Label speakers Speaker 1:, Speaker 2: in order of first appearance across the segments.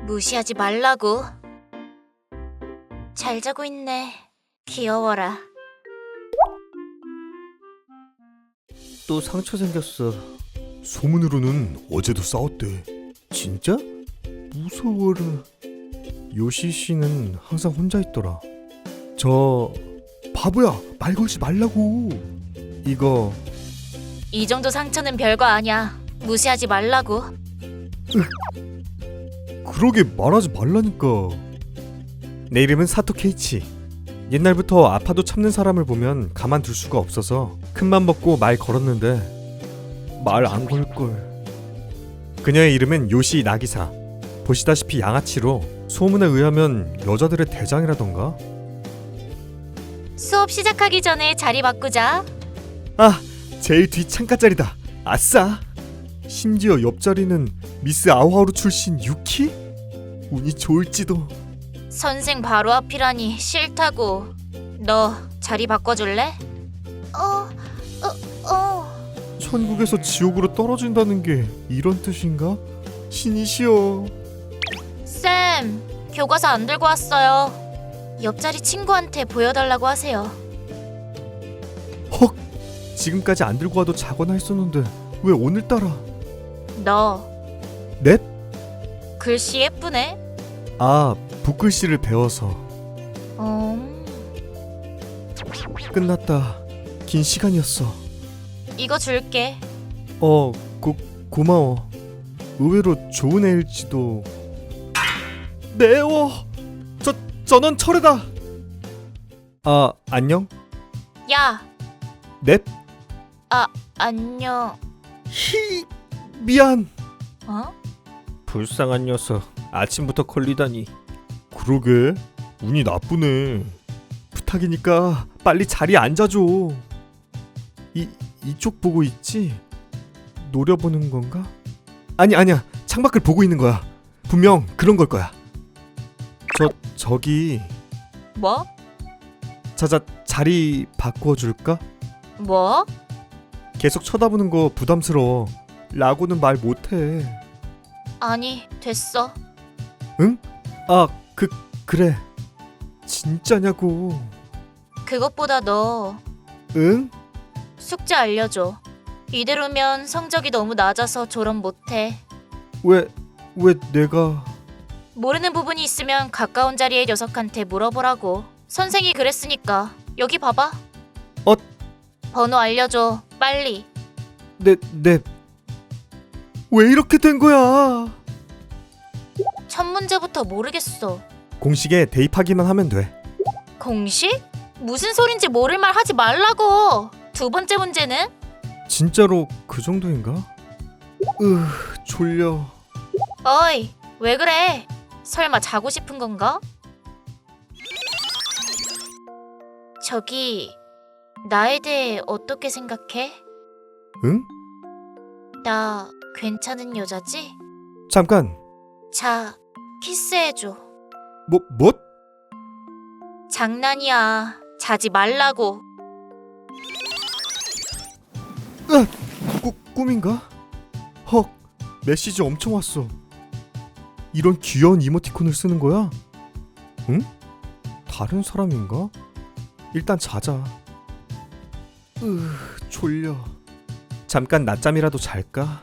Speaker 1: 무시하지 말라고. 잘 자고 있네. 귀여워라.
Speaker 2: 또 상처 생겼어. 소문으로는 어제도 싸웠대. 진짜? 무서워라. 요시 씨는 항상 혼자 있더라. 저 바보야, 말 걸지 말라고. 이거
Speaker 1: 이 정도 상처는 별거 아니야. 무시하지 말라고.
Speaker 2: 그러게 말하지 말라니까. 내 이름은 사토 케이치. 옛날부터 아파도 참는 사람을 보면 가만둘 수가 없어서 큰맘 먹고 말 걸었는데 말 안 걸걸. 그녀의 이름은 요시 나기사. 보시다시피 양아치로 소문에 의하면 여자들의 대장이라던가.
Speaker 1: 수업 시작하기 전에 자리 바꾸자.
Speaker 2: 아, 제일 뒤 창가 자리다. 아싸. 심지어 옆자리는 미스 아오하루 출신 유키? 운이 좋을지도.
Speaker 1: 선생 바로 앞이라니 싫다고. 너 자리 바꿔줄래?
Speaker 2: 천국에서 지옥으로 떨어진다는 게 이런 뜻인가? 신이시여.
Speaker 1: 쌤, 교과서 안 들고 왔어요. 옆자리 친구한테 보여달라고 하세요.
Speaker 2: 헉! 지금까지 안 들고 와도 자거나 했었는데 왜 오늘따라?
Speaker 1: 너
Speaker 2: 넵?
Speaker 1: 글씨 예쁘네.
Speaker 2: 아, 붓글씨를 배워서. 끝났다. 긴 시간이었어.
Speaker 1: 이거 줄게.
Speaker 2: 고마워. 의외로 좋은 애일지도. 매워. 전원 철회다. 아, 안녕?
Speaker 1: 야,
Speaker 2: 넵?
Speaker 1: 안녕.
Speaker 2: 미안.
Speaker 1: 어?
Speaker 2: 불쌍한 녀석. 아침부터 걸리다니. 그러게. 운이 나쁘네. 부탁이니까 빨리 자리에 앉아줘. 이쪽 보고 있지? 노려보는 건가? 아니야. 창밖을 보고 있는 거야. 분명 그런 걸 거야. 저기
Speaker 1: 뭐?
Speaker 2: 자리 바꾸어 줄까?
Speaker 1: 뭐?
Speaker 2: 계속 쳐다보는 거 부담스러워. 라고는 말 못해.
Speaker 1: 아니, 됐어.
Speaker 2: 응? 아, 그래. 진짜냐고.
Speaker 1: 그것보다 너
Speaker 2: 응?
Speaker 1: 숙제 알려줘. 이대로면 성적이 너무 낮아서 졸업 못해.
Speaker 2: 왜 내가...
Speaker 1: 모르는 부분이 있으면 가까운 자리의 녀석한테 물어보라고. 선생이 그랬으니까. 여기 봐봐. 번호 알려줘. 빨리.
Speaker 2: 네. 왜 이렇게 된 거야?
Speaker 1: 첫 문제부터 모르겠어.
Speaker 2: 공식에 대입하기만 하면 돼.
Speaker 1: 공식? 무슨 소린지 모를 말 하지 말라고. 두 번째 문제는?
Speaker 2: 진짜로 그 정도인가? 졸려.
Speaker 1: 어이, 왜 그래? 설마 자고 싶은 건가? 저기, 나에 대해 어떻게 생각해?
Speaker 2: 응?
Speaker 1: 나 괜찮은 여자지?
Speaker 2: 잠깐.
Speaker 1: 자, 키스해줘.
Speaker 2: 뭐?
Speaker 1: 장난이야. 자지 말라고.
Speaker 2: 꿈인가? 헉, 메시지 엄청 왔어. 이런 귀여운 이모티콘을 쓰는 거야? 응? 다른 사람인가? 일단 자자. 졸려. 잠깐 낮잠이라도 잘까?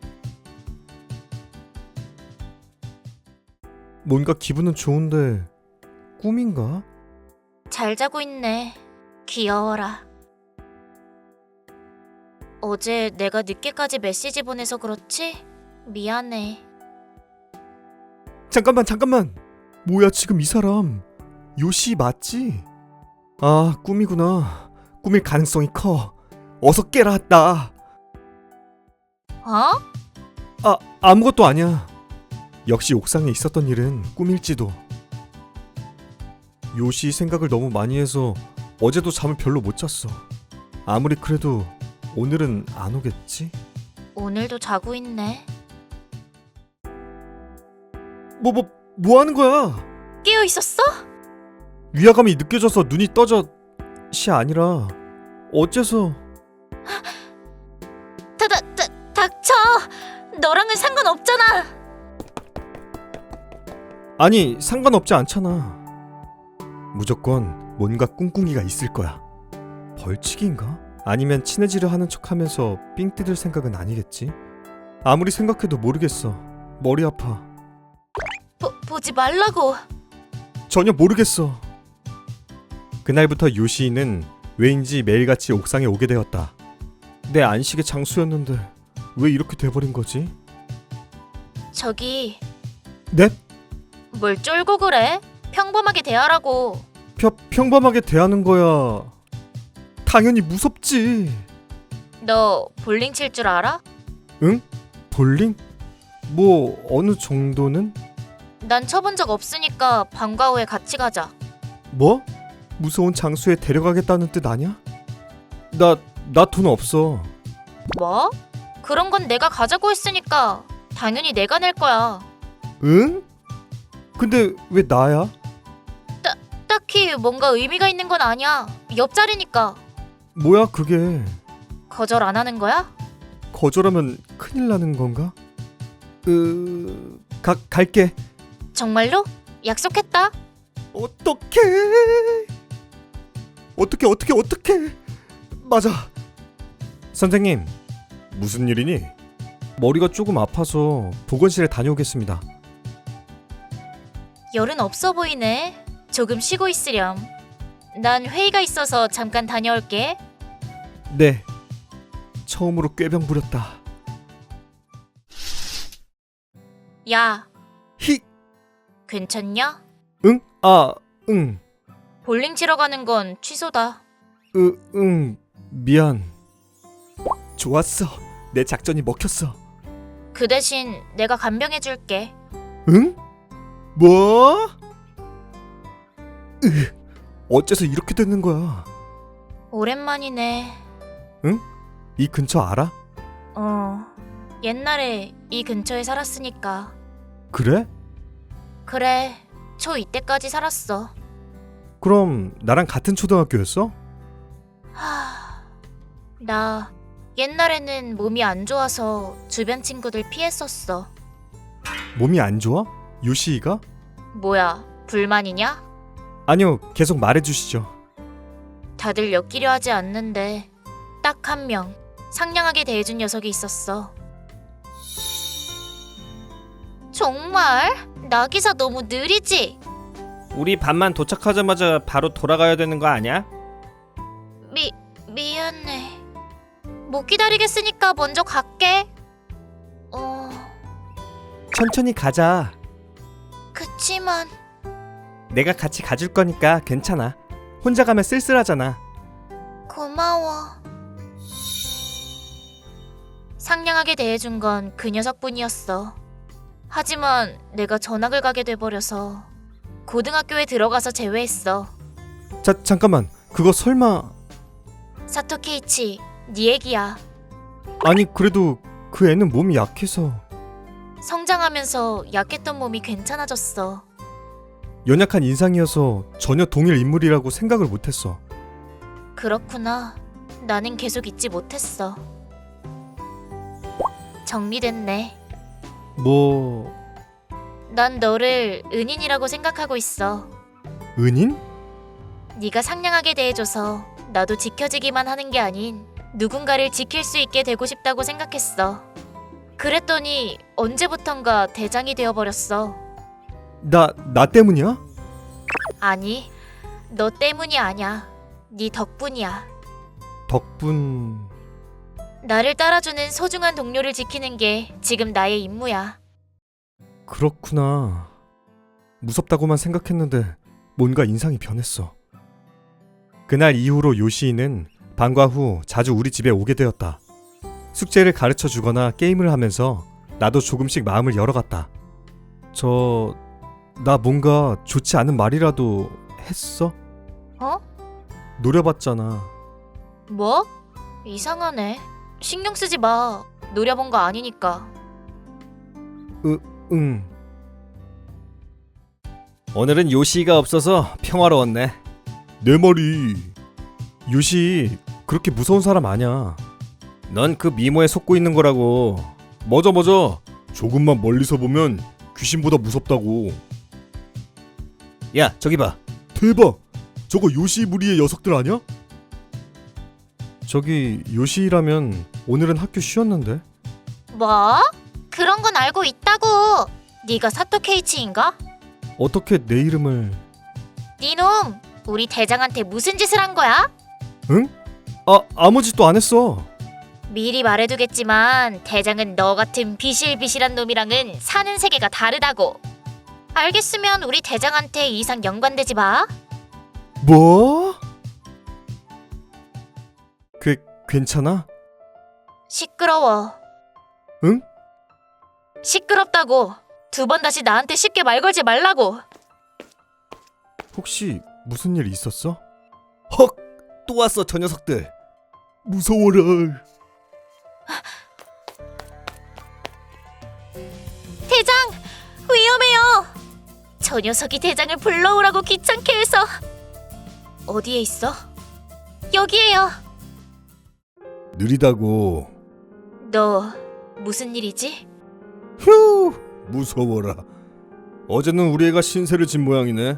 Speaker 2: 뭔가 기분은 좋은데 꿈인가?
Speaker 1: 잘 자고 있네. 귀여워라. 어제 내가 늦게까지 메시지 보내서 그렇지? 미안해.
Speaker 2: 잠깐만. 뭐야 지금 이 사람. 요시 맞지? 아, 꿈이구나. 꿈일 가능성이 커. 어서 깨라. 나.
Speaker 1: 어?
Speaker 2: 아무것도 아니야. 역시 옥상에 있었던 일은 꿈일지도. 요시 생각을 너무 많이 해서 어제도 잠을 별로 못 잤어. 아무리 그래도 오늘은 안 오겠지?
Speaker 1: 오늘도 자고 있네.
Speaker 2: 뭐 하는 거야?
Speaker 1: 깨어 있었어?
Speaker 2: 위화감이 느껴져서 눈이 떠져... 시 아니라 어째서...
Speaker 1: 닥쳐! 너랑은 상관없잖아!
Speaker 2: 아니, 상관없지 않잖아. 무조건 뭔가 꿍꿍이가 있을 거야. 벌칙인가? 아니면 친해지려 하는 척하면서 삥 뜯을 생각은 아니겠지? 아무리 생각해도 모르겠어. 머리 아파.
Speaker 1: 보지 말라고.
Speaker 2: 전혀 모르겠어. 그날부터 요시이는 왜인지 매일같이 옥상에 오게 되었다. 내 안식의 장소였는데 왜 이렇게 돼버린 거지?
Speaker 1: 저기
Speaker 2: 네?
Speaker 1: 뭘 쫄고 그래? 평범하게 대하라고.
Speaker 2: 평범하게 대하는 거야. 당연히 무섭지.
Speaker 1: 너 볼링 칠 줄 알아?
Speaker 2: 응? 볼링? 뭐 어느 정도는?
Speaker 1: 난 쳐본 적 없으니까 방과 후에 같이 가자.
Speaker 2: 뭐? 무서운 장소에 데려가겠다는 뜻 아니야? 나 돈 없어.
Speaker 1: 뭐? 그런 건 내가 가자고 했으니까 당연히 내가 낼 거야.
Speaker 2: 응? 근데 왜 나야?
Speaker 1: 딱히 뭔가 의미가 있는 건 아니야. 옆자리니까.
Speaker 2: 뭐야 그게?
Speaker 1: 거절 안 하는 거야?
Speaker 2: 거절하면 큰일 나는 건가? 갈게.
Speaker 1: 정말로? 약속했다.
Speaker 2: 어떡해? 어떡해? 맞아. 선생님, 무슨 일이니? 머리가 조금 아파서 보건실에 다녀오겠습니다.
Speaker 1: 열은 없어 보이네. 조금 쉬고 있으렴. 난 회의가 있어서 잠깐 다녀올게.
Speaker 2: 네. 처음으로 꾀병 부렸다.
Speaker 1: 야,
Speaker 2: 히.
Speaker 1: 괜찮냐?
Speaker 2: 응? 응.
Speaker 1: 볼링 치러 가는 건 취소다.
Speaker 2: 응. 미안. 좋았어. 내 작전이 먹혔어.
Speaker 1: 그 대신 내가 간병해 줄게.
Speaker 2: 응? 뭐? 어째서 이렇게 되는 거야?
Speaker 1: 오랜만이네.
Speaker 2: 이 근처 알아?
Speaker 1: 옛날에 이 근처에 살았으니까.
Speaker 2: 그래?
Speaker 1: 그래, 초2 때까지 살았어.
Speaker 2: 그럼 나랑 같은 초등학교였어?
Speaker 1: 나 옛날에는 몸이 안 좋아서 주변 친구들 피했었어.
Speaker 2: 몸이 안 좋아? 요시이가?
Speaker 1: 뭐야, 불만이냐?
Speaker 2: 아니요, 계속 말해주시죠.
Speaker 1: 다들 엮이려 하지 않는데 딱 한 명 상냥하게 대해준 녀석이 있었어. 정말? 나기사 너무 느리지?
Speaker 3: 우리 반만 도착하자마자 바로 돌아가야 되는 거 아니야?
Speaker 1: 미안해. 못 기다리겠으니까 먼저 갈게.
Speaker 2: 천천히 가자.
Speaker 1: 그치만
Speaker 2: 내가 같이 가줄 거니까 괜찮아. 혼자 가면 쓸쓸하잖아.
Speaker 1: 고마워. 상냥하게 대해준 건 그 녀석뿐이었어. 하지만 내가 전학을 가게 돼버려서 고등학교에 들어가서 제외했어.
Speaker 2: 잠깐만. 그거 설마...
Speaker 1: 사토 케이치, 네 얘기야.
Speaker 2: 아니 그래도 그 애는 몸이 약해서...
Speaker 1: 성장하면서 약했던 몸이 괜찮아졌어.
Speaker 2: 연약한 인상이어서 전혀 동일 인물이라고 생각을 못했어.
Speaker 1: 그렇구나. 나는 계속 잊지 못했어. 정리됐네.
Speaker 2: 뭐...
Speaker 1: 난 너를 은인이라고 생각하고 있어.
Speaker 2: 은인?
Speaker 1: 네가 상냥하게 대해줘서 나도 지켜지기만 하는 게 아닌 누군가를 지킬 수 있게 되고 싶다고 생각했어. 그랬더니 언제부턴가 대장이 되어버렸어.
Speaker 2: 나 때문이야?
Speaker 1: 아니, 너 때문이 아냐. 네 덕분이야.
Speaker 2: 덕분...
Speaker 1: 나를 따라주는 소중한 동료를 지키는 게 지금 나의 임무야.
Speaker 2: 그렇구나. 무섭다고만 생각했는데 뭔가 인상이 변했어. 그날 이후로 요시이는 방과 후 자주 우리 집에 오게 되었다. 숙제를 가르쳐 주거나 게임을 하면서 나도 조금씩 마음을 열어갔다. 나 뭔가 좋지 않은 말이라도 했어? 노려봤잖아.
Speaker 1: 뭐? 이상하네. 신경 쓰지 마. 노려본 거 아니니까.
Speaker 2: 응.
Speaker 3: 오늘은 요시가 없어서 평화로웠네.
Speaker 2: 내 말이... 요시 그렇게 무서운 사람 아냐.
Speaker 3: 넌 그 미모에 속고 있는 거라고.
Speaker 2: 맞아. 조금만 멀리서 보면 귀신보다 무섭다고.
Speaker 3: 야 저기 봐.
Speaker 2: 대박! 저거 요시 무리의 녀석들 아니야? 저기 요시라면 오늘은 학교 쉬었는데.
Speaker 1: 뭐? 그런 건 알고 있다고. 네가 사토 케이치인가?
Speaker 2: 어떻게 내 이름을...
Speaker 1: 니놈, 우리 대장한테 무슨 짓을 한 거야?
Speaker 2: 응? 아무 짓도 안 했어.
Speaker 1: 미리 말해두겠지만 대장은 너 같은 비실비실한 놈이랑은 사는 세계가 다르다고. 알겠으면 우리 대장한테 이상 연관되지 마.
Speaker 2: 뭐? 괜찮아?
Speaker 1: 시끄러워.
Speaker 2: 응?
Speaker 1: 시끄럽다고. 2번 다시 나한테 쉽게 말 걸지 말라고.
Speaker 2: 혹시 무슨 일 있었어?
Speaker 3: 헉! 또 왔어 저 녀석들.
Speaker 2: 무서워라.
Speaker 1: 대장! 위험해요! 저 녀석이 대장을 불러오라고 귀찮게 해서. 어디에 있어? 여기에요.
Speaker 2: 느리다고.
Speaker 1: 너 무슨 일이지?
Speaker 2: 휴, 무서워라. 어제는 우리 애가 신세를 진 모양이네.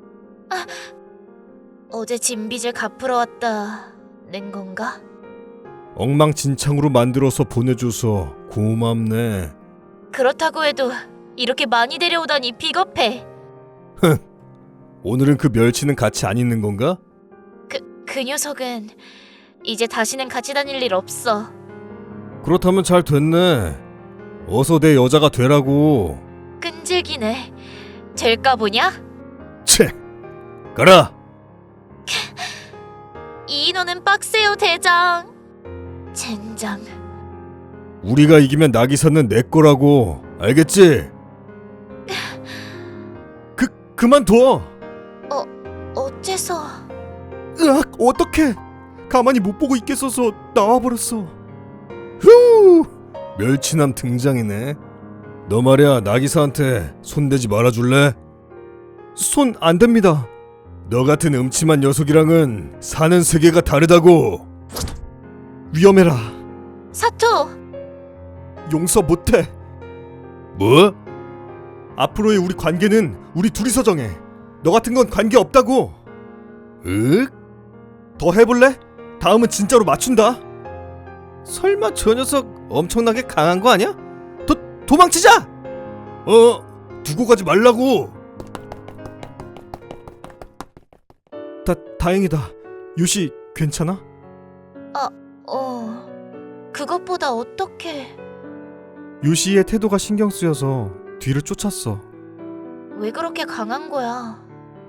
Speaker 1: 어제 진 빚을 갚으러 왔다는 건가?
Speaker 2: 엉망진창으로 만들어서 보내줘서 고맙네.
Speaker 1: 그렇다고 해도 이렇게 많이 데려오다니 비겁해.
Speaker 2: 오늘은 그 멸치는 같이 안 있는 건가?
Speaker 1: 그 녀석은 이제 다시는 같이 다닐 일 없어.
Speaker 2: 그렇다면 잘 됐네. 어서 내 여자가 되라고.
Speaker 1: 끈질기네. 될까 보냐?
Speaker 2: 채, 가라.
Speaker 1: 이 인원은 빡세요, 대장. 젠장.
Speaker 2: 우리가 이기면 나기사는 내 거라고. 알겠지? 그만둬.
Speaker 1: 어째서?
Speaker 2: 으악, 어떡해. 가만히 못 보고 있겠어서 나와버렸어. 휴, 멸치남 등장이네. 너 말이야, 나기사한테 손대지 말아줄래? 손 안 됩니다. 너 같은 음침한 녀석이랑은 사는 세계가 다르다고. 위험해라.
Speaker 1: 사토!
Speaker 2: 용서 못해. 뭐? 앞으로의 우리 관계는 우리 둘이서 정해. 너 같은 건 관계 없다고. 윽? 더 해볼래? 다음은 진짜로 맞춘다.
Speaker 3: 설마 저 녀석 엄청나게 강한 거 아니야?
Speaker 2: 도망치자! 두고 가지 말라고. 다행이다. 요시 괜찮아?
Speaker 1: 그것보다 어떻게...
Speaker 2: 요시의 태도가 신경 쓰여서 뒤를 쫓았어.
Speaker 1: 왜 그렇게 강한 거야?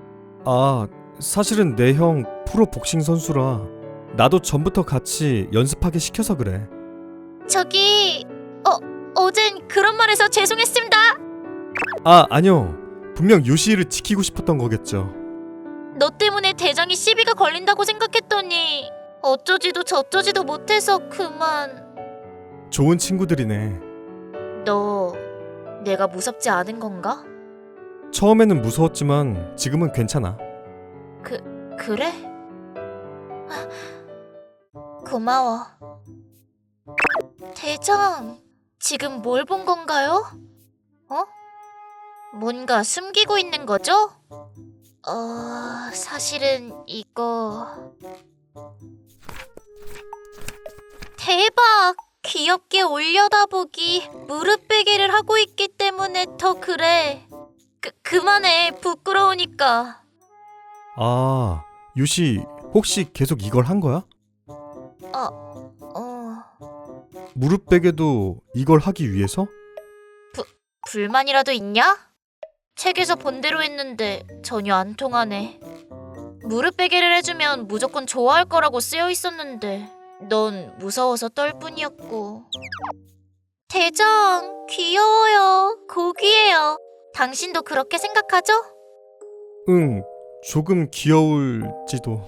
Speaker 2: 사실은 내 형 프로 복싱 선수라 나도 전부터 같이 연습하게 시켜서 그래.
Speaker 1: 저기... 어젠 그런 말 해서 죄송했습니다.
Speaker 2: 아니요. 분명 요시를 지키고 싶었던 거겠죠.
Speaker 1: 너 때문에 대장이 시비가 걸린다고 생각했더니 어쩌지도 저쩌지도 못해서 그만.
Speaker 2: 좋은 친구들이네.
Speaker 1: 너 내가 무섭지 않은 건가?
Speaker 2: 처음에는 무서웠지만 지금은 괜찮아.
Speaker 1: 그래? 고마워. 대장, 지금 뭘 본 건가요? 뭔가 숨기고 있는 거죠? 사실은 이거... 대박! 귀엽게 올려다보기, 무릎 베개를 하고 있기 때문에 더 그래. 그만해, 부끄러우니까.
Speaker 2: 요시 혹시 계속 이걸 한 거야? 무릎 베개도 이걸 하기 위해서?
Speaker 1: 불만이라도 있냐? 책에서 본 대로 했는데 전혀 안 통하네. 무릎 베개를 해주면 무조건 좋아할 거라고 쓰여 있었는데 넌 무서워서 떨 뿐이었고. 대장, 귀여워요. 고귀해요. 당신도 그렇게 생각하죠?
Speaker 2: 응, 조금 귀여울지도.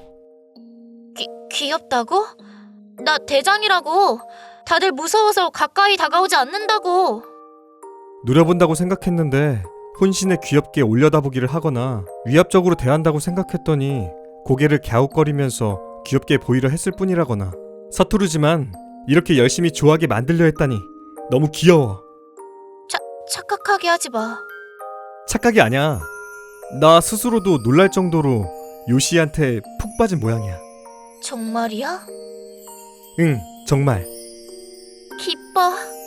Speaker 1: 귀엽다고? 나 대장이라고. 다들 무서워서 가까이 다가오지 않는다고.
Speaker 2: 노려본다고 생각했는데 혼신에 귀엽게 올려다보기를 하거나 위압적으로 대한다고 생각했더니 고개를 갸웃거리면서 귀엽게 보이려 했을 뿐이라거나. 서투르지만 이렇게 열심히 좋아하게 만들려 했다니 너무 귀여워.
Speaker 1: 착각하게 하지 마.
Speaker 2: 착각이 아니야. 나 스스로도 놀랄 정도로 요시한테 푹 빠진 모양이야.
Speaker 1: 정말이야?
Speaker 2: 응, 정말.
Speaker 1: 기뻐.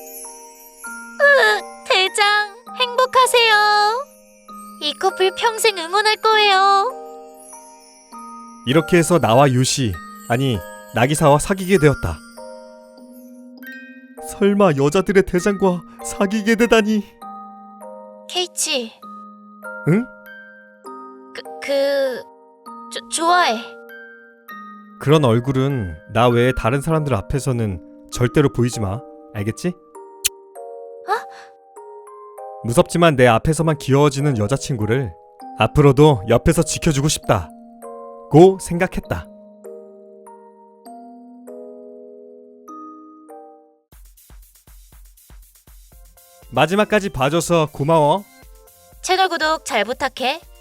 Speaker 1: 대장, 행복하세요. 이 커플 평생 응원할 거예요.
Speaker 2: 이렇게 해서 나와 요시, 아니 나기사와 사귀게 되었다. 설마 여자들의 대장과 사귀게 되다니.
Speaker 1: 케이치.
Speaker 2: 응?
Speaker 1: 좋아해.
Speaker 2: 그런 얼굴은 나 외에 다른 사람들 앞에서는 절대로 보이지 마. 알겠지? 무섭지만 내 앞에서만 귀여워지는 여자친구를 앞으로도 옆에서 지켜주고 싶다. 고 생각했다. 마지막까지 봐줘서 고마워.
Speaker 1: 채널 구독 잘 부탁해.